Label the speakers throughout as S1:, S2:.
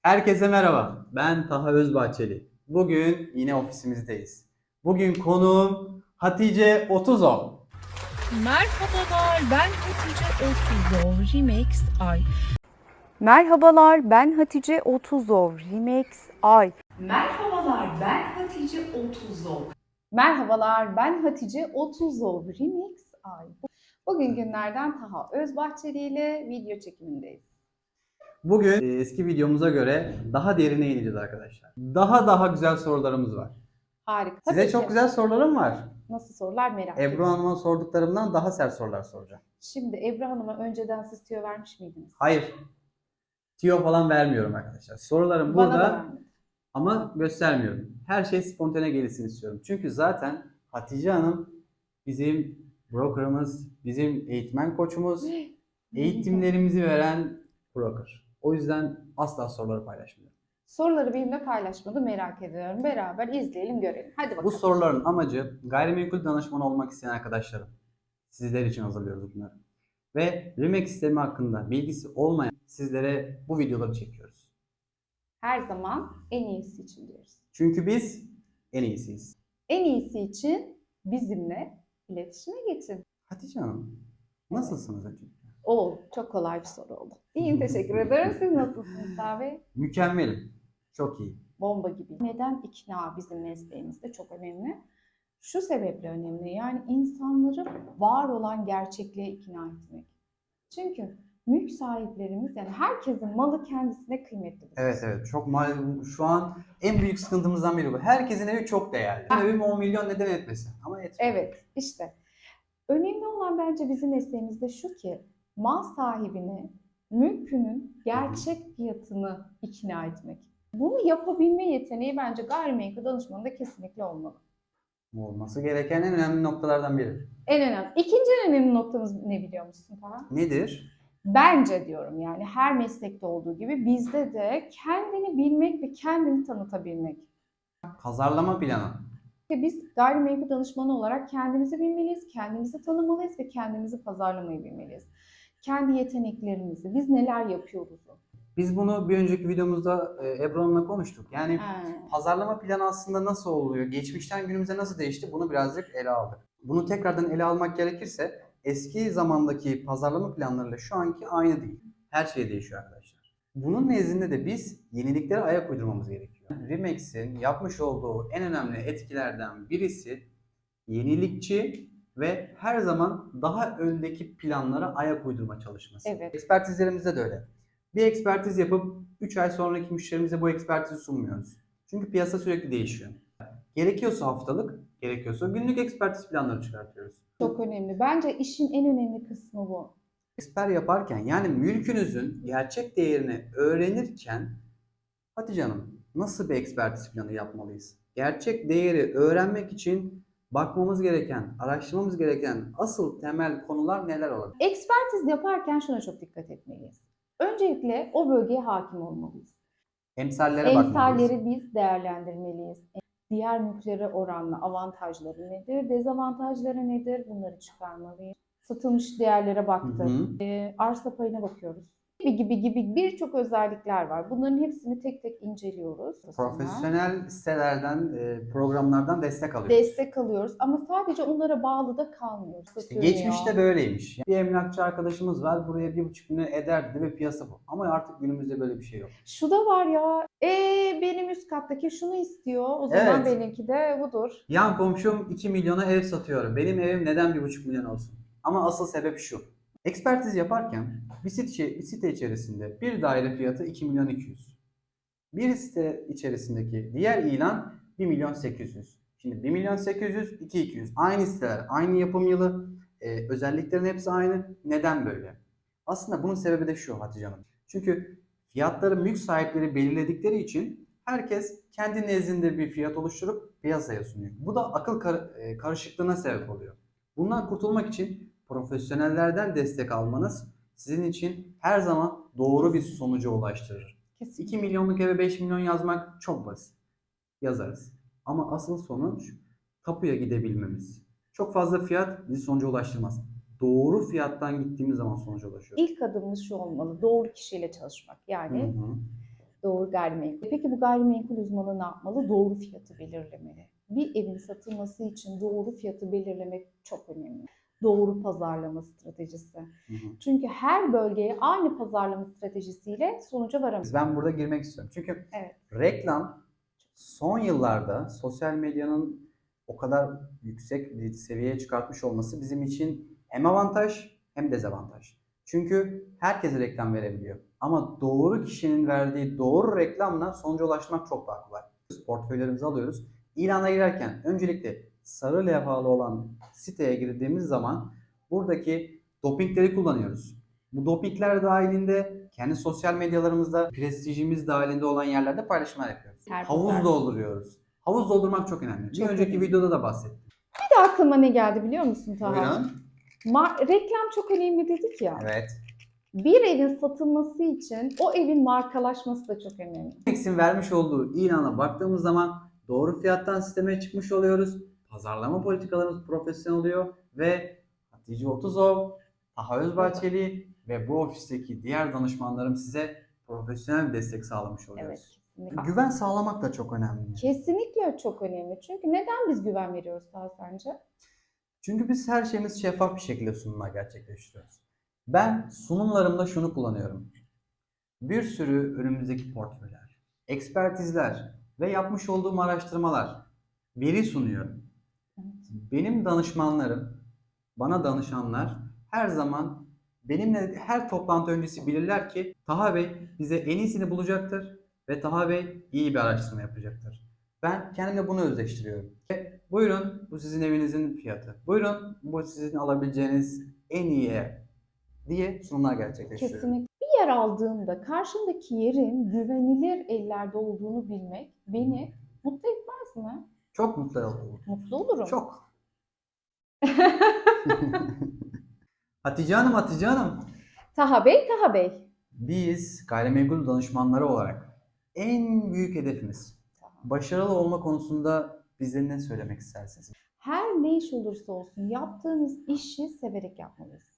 S1: Herkese merhaba. Ben Taha Özbahçeli. Bugün yine ofisimizdeyiz. Bugün konuğum Hatice Otuzov.
S2: Merhabalar, ben Hatice Otuzov, Remix Ay.
S3: Merhabalar, ben Hatice Otuzov, Remix Ay.
S2: Merhabalar, ben Hatice Otuzov.
S4: Merhabalar, ben Hatice Otuzov, Remix Ay. Bugün günlerden Taha Özbahçeli ile video çekimindeyiz.
S1: Bugün eski videomuza göre daha derine ineceğiz arkadaşlar. Daha güzel sorularımız var.
S4: Harika.
S1: Size
S4: Tabii
S1: çok
S4: ki.
S1: güzel sorularım var.
S4: Nasıl sorular merak
S1: Ebru
S4: ediyorum.
S1: Hanım'a sorduklarımdan daha sert sorular soracağım.
S4: Şimdi Ebru Hanım'a önceden siz tüyo vermiş miydiniz?
S1: Hayır. Tiyo falan vermiyorum arkadaşlar. Sorularım
S4: Bana da
S1: burada
S4: vermedi.
S1: ama göstermiyorum. Her şey spontane gelişsin istiyorum. Çünkü zaten Hatice Hanım bizim brokerımız, bizim eğitmen koçumuz, eğitimlerimizi veren broker. O yüzden asla soruları paylaşmıyorum.
S4: Soruları benimle paylaşmadı, merak ediyorum. Beraber izleyelim, görelim. Hadi bakalım.
S1: Bu soruların amacı gayrimenkul danışmanı olmak isteyen arkadaşlarım. Sizler için hazırlıyoruz bunları. Ve Remax sistemi hakkında bilgisi olmayan sizlere bu videoları çekiyoruz.
S4: Her zaman en iyisi için diyoruz.
S1: Çünkü biz en iyisiyiz.
S4: En iyisi için bizimle iletişime geçin.
S1: Hatice Hanım, nasılsınız önce?
S4: Çok kolay bir soru oldu. İyiyim, teşekkür ederim. Siz nasılsınız abi?
S1: Mükemmelim. Çok iyi.
S4: Bomba gibi. Neden ikna bizim mesleğimizde çok önemli? Şu sebeple önemli. Yani insanları var olan gerçekliğe ikna etmek. Çünkü mülk sahiplerimiz, yani herkesin malı kendisine kıymetli.
S1: Evet, çok şu an en büyük sıkıntımızdan biri bu. Herkesin evi çok değerli. Evim 10 milyon neden etmesin? Ama etmiyor.
S4: Evet, işte. Önemli olan bence bizim mesleğimizde şu ki mal sahibini mülkünün gerçek fiyatını ikna etmek. Bunu yapabilme yeteneği bence gayrimenkul danışmanında kesinlikle olmalı.
S1: Olması gereken en önemli noktalardan biri.
S4: En önemli. İkinci en önemli noktamız ne biliyor musun Taha?
S1: Nedir?
S4: Bence diyorum, yani her meslekte olduğu gibi bizde de kendini bilmek ve kendini tanıtabilmek.
S1: Pazarlama planı.
S4: Ve biz gayrimenkul danışmanı olarak kendimizi bilmeliyiz, kendimizi tanımalıyız ve kendimizi pazarlamayı bilmeliyiz. Kendi yeteneklerimizi, biz neler yapıyoruz.
S1: Biz bunu bir önceki videomuzda Ebru Hanım'la konuştuk. Yani
S4: He.
S1: pazarlama planı aslında nasıl oluyor? Geçmişten günümüze nasıl değişti? Bunu birazcık ele aldık. Bunu tekrardan ele almak gerekirse eski zamandaki pazarlama planlarıyla şu anki aynı değil. Her şey değişiyor arkadaşlar. Bunun nezdinde de biz yeniliklere ayak uydurmamız gerekiyor. Remax'in yapmış olduğu en önemli etkilerden birisi yenilikçi ve her zaman daha öndeki planlara ayak uydurma çalışması.
S4: Evet.
S1: Ekspertizlerimizde de öyle. Bir ekspertiz yapıp 3 ay sonraki müşterimize bu ekspertizi sunmuyoruz. Çünkü piyasa sürekli değişiyor. Gerekiyorsa haftalık, gerekiyorsa günlük ekspertiz planları çıkartıyoruz.
S4: Çok önemli. Bence işin en önemli kısmı bu.
S1: Eksper yaparken, yani mülkünüzün gerçek değerini öğrenirken Hatice Hanım, nasıl bir ekspertiz planı yapmalıyız? Gerçek değeri öğrenmek için bakmamız gereken, araştırmamız gereken asıl temel konular neler olabilir?
S4: Ekspertiz yaparken şuna çok dikkat etmeliyiz. Öncelikle o bölgeye hakim olmalıyız.
S1: Emsallere bakmalıyız.
S4: Emsalleri biz değerlendirmeliyiz. Diğer mülklere oranla avantajları nedir, dezavantajları nedir, bunları çıkarmalıyız. Satılmış değerlere baktık. Arsa payına bakıyoruz. Gibi birçok özellikler var. Bunların hepsini tek tek inceliyoruz.
S1: Profesyonel sitelerden, programlardan destek alıyoruz.
S4: Destek alıyoruz ama sadece onlara bağlı da kalmıyoruz.
S1: İşte geçmişte böyleymiş. Bir emlakçı arkadaşımız var, buraya 1,5 milyon eder dedi ve piyasa bu. Ama artık günümüzde böyle bir şey yok.
S4: Şu da var ya, benim üst kattaki şunu istiyor, o zaman
S1: Evet.
S4: benimki de budur.
S1: Yan komşum 2 milyona ev satıyor. Benim evim neden 1,5 milyon olsun? Ama asıl sebep şu. Ekspertiz yaparken bir site içerisinde bir daire fiyatı 2 milyon 200. Bir site içerisindeki diğer ilan 1 milyon 800. Şimdi 1 milyon 800, 2 200. Aynı siteler, aynı yapım yılı, özelliklerin hepsi aynı. Neden böyle? Aslında bunun sebebi de şu Hatice Hanım. Çünkü fiyatları mülk sahipleri belirledikleri için herkes kendi nezdinde bir fiyat oluşturup piyasaya sunuyor. Bu da akıl karışıklığına sebep oluyor. Bundan kurtulmak için profesyonellerden destek almanız sizin için her zaman doğru bir sonuca ulaştırır. 2 milyonluk eve 5 milyon yazmak çok basit. Yazarız. Ama asıl sonuç tapuya gidebilmemiz. Çok fazla fiyat bizi sonuca ulaştırmaz. Doğru fiyattan gittiğimiz zaman sonuca ulaşıyoruz.
S4: İlk adımımız şu olmalı, doğru kişiyle çalışmak. Yani Doğru gayrimenkul. Peki bu gayrimenkul uzmanı ne yapmalı? Doğru fiyatı belirlemeli. Bir evin satılması için doğru fiyatı belirlemek çok önemli. Doğru pazarlama stratejisi. Çünkü her bölgeye aynı pazarlama stratejisiyle sonuca varamayız.
S1: Ben burada girmek istiyorum. Çünkü
S4: Evet.
S1: reklam son yıllarda sosyal medyanın o kadar yüksek bir seviyeye çıkartmış olması bizim için hem avantaj hem dezavantaj. Çünkü herkes reklam verebiliyor. Ama doğru kişinin verdiği doğru reklamla sonuca ulaşmak çok daha kolay. Portföylerimizi alıyoruz. İlana girerken öncelikle sarı levhalı olan siteye girdiğimiz zaman buradaki dopingleri kullanıyoruz. Bu dopingler dahilinde kendi sosyal medyalarımızda prestijimiz dahilinde olan yerlerde paylaşımlar yapıyoruz. Havuz dolduruyoruz. Havuz doldurmak çok önemli.
S4: Çok
S1: Bir önceki
S4: önemli.
S1: videoda da bahsettim.
S4: Bir de aklıma ne geldi biliyor musun Taha?
S1: Buyurun.
S4: Reklam çok önemli dedik ya.
S1: Evet.
S4: Bir evin satılması için o evin markalaşması da çok önemli.
S1: X'in vermiş olduğu ilana baktığımız zaman doğru fiyattan sisteme çıkmış oluyoruz. Pazarlama politikalarımız profesyonel oluyor ve Hatice Otuzov, Taha Özbahçeli ve bu ofisteki diğer danışmanlarım size profesyonel bir destek sağlamış
S4: Evet,
S1: oluyoruz.
S4: kesinlikle.
S1: Güven sağlamak da çok önemli.
S4: Kesinlikle çok önemli. Çünkü neden biz güven veriyoruz daha sence?
S1: Çünkü biz her şeyimiz şeffaf bir şekilde sunumlar gerçekleştiriyoruz. Ben sunumlarımda şunu kullanıyorum. Bir sürü önümüzdeki portföyler, ekspertizler ve yapmış olduğum araştırmalar veri sunuyorum. Benim danışmanlarım, bana danışanlar her zaman benimle her toplantı öncesi bilirler ki Taha Bey bize en iyisini bulacaktır ve Taha Bey iyi bir araştırma yapacaktır. Ben kendimle bunu özdeştiriyorum. Buyurun bu sizin evinizin fiyatı. Buyurun bu sizin alabileceğiniz en iyi ev diye sunumlar gerçekleştiriyorum.
S4: Kesinlikle. Bir yer aldığımda karşımdaki yerin güvenilir ellerde olduğunu bilmek beni mutlu etmez mi?
S1: Çok mutlu oldum.
S4: Mutlu olurum.
S1: Çok. Hatice Hanım.
S4: Taha Bey, Taha Bey.
S1: Biz gayrimenkul danışmanları olarak en büyük hedefimiz başarılı olma konusunda bize ne söylemek istersiniz?
S4: Her ne iş olursa olsun yaptığımız işi severek yapmalıyız.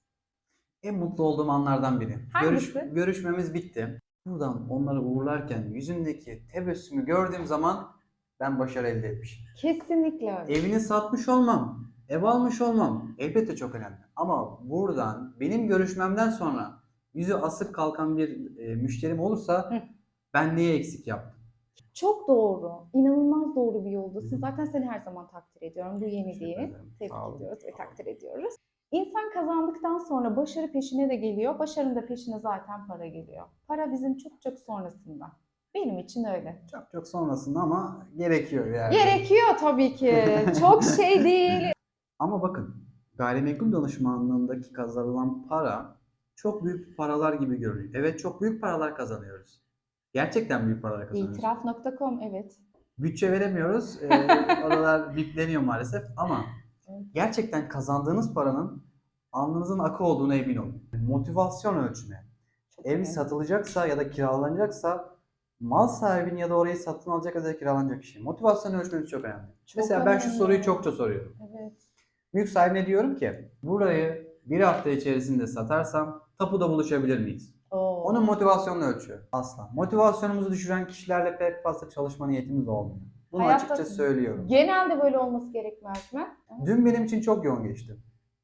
S1: En mutlu olduğum anlardan biri.
S4: Hangisi?
S1: Görüşmemiz bitti. Buradan onları uğurlarken yüzündeki tebessümü gördüğüm zaman ben başarı elde etmişim.
S4: Kesinlikle öyle.
S1: Evini satmış olmam, ev almış olmam elbette çok önemli. Ama buradan benim görüşmemden sonra yüzü asık kalkan bir müşterim olursa ben neye eksik yaptım?
S4: Çok doğru. İnanılmaz doğru bir yoldasın. Zaten seni her zaman takdir ediyorum. Bu yeni
S1: Teşekkür
S4: değil.
S1: ederim.
S4: Tebrik
S1: Sağ olun.
S4: ediyoruz ve takdir ediyoruz. İnsan kazandıktan sonra başarı peşine de geliyor. Başarının da peşine zaten para geliyor. Para bizim çok çok sonrasında. Benim için öyle.
S1: Çok çok sonrasında ama gerekiyor yani.
S4: Gerekiyor tabii ki. Çok şey değil.
S1: Ama bakın gayrimenkul danışmanlığındaki kazanılan para çok büyük paralar gibi görünüyor. Evet çok büyük paralar kazanıyoruz. Gerçekten büyük paralar kazanıyoruz.
S4: İtiraf.com evet.
S1: Bütçe veremiyoruz. Oralar bipleniyor maalesef ama gerçekten kazandığınız paranın alnınızın akı olduğuna emin olun. Motivasyon ölçme.
S4: Çok
S1: Ev
S4: önemli.
S1: satılacaksa ya da kiralanacaksa mal sahibinin ya da orayı satın alacak ya da kiralanacak kişi. Motivasyon ölçmemiz çok önemli.
S4: Çok
S1: Mesela ben şu
S4: önemli.
S1: soruyu çokça soruyorum.
S4: Evet.
S1: Mülk sahibine diyorum ki burayı bir hafta içerisinde satarsam tapuda buluşabilir miyiz?
S4: Oo.
S1: Onun motivasyonunu ölçüyor. Asla. Motivasyonumuzu düşüren kişilerle pek fazla çalışma niyetimiz olmuyor. Bunu
S4: Hayatta-
S1: açıkça söylüyorum.
S4: Genelde böyle olması gerekmez mi?
S1: Dün benim için çok yoğun geçti.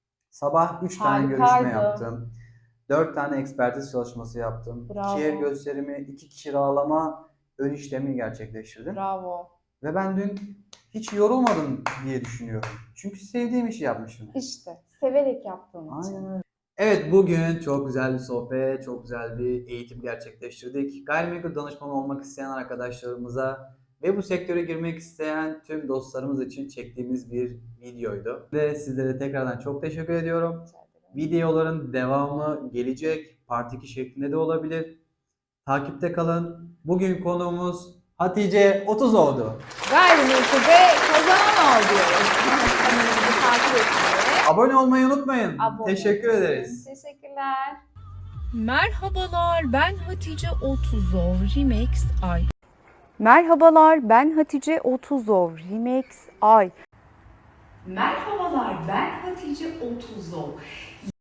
S1: Sabah 3 tane
S4: Harikaydı.
S1: görüşme yaptım. 4 tane ekspertiz çalışması yaptım.
S4: Bravo.
S1: 2 ev gösterimi, 2 kiralama ön işlemi gerçekleştirdim.
S4: Bravo.
S1: Ve ben dün hiç yorulmadım diye düşünüyorum. Çünkü sevdiğim işi yapmışım.
S4: İşte severek yaptığın için.
S1: Aynen öyle. Evet bugün çok güzel bir sohbet, çok güzel bir eğitim gerçekleştirdik. Gayrimenkul danışmanı olmak isteyen arkadaşlarımıza ve bu sektöre girmek isteyen tüm dostlarımız için çektiğimiz bir videoydu. Ve sizlere tekrardan çok teşekkür ediyorum.
S4: Rica ederim.
S1: Videoların devamı gelecek. Part 2 şeklinde de olabilir. Takipte kalın. Bugün konuğumuz Hatice Otuzov'du.
S4: Gayrimenkulde kazanan ol diyoruz. Kanalımızı takip etmeyi.
S1: Abone olmayı unutmayın.
S4: Abone
S1: Teşekkür
S4: olun.
S1: ederiz.
S4: Teşekkürler.
S2: Merhabalar, ben Hatice Otuzov, Remix Ay.
S3: Merhabalar, ben Hatice Otuzov, Remix Ay.
S2: Merhabalar, ben Hatice Otuzov.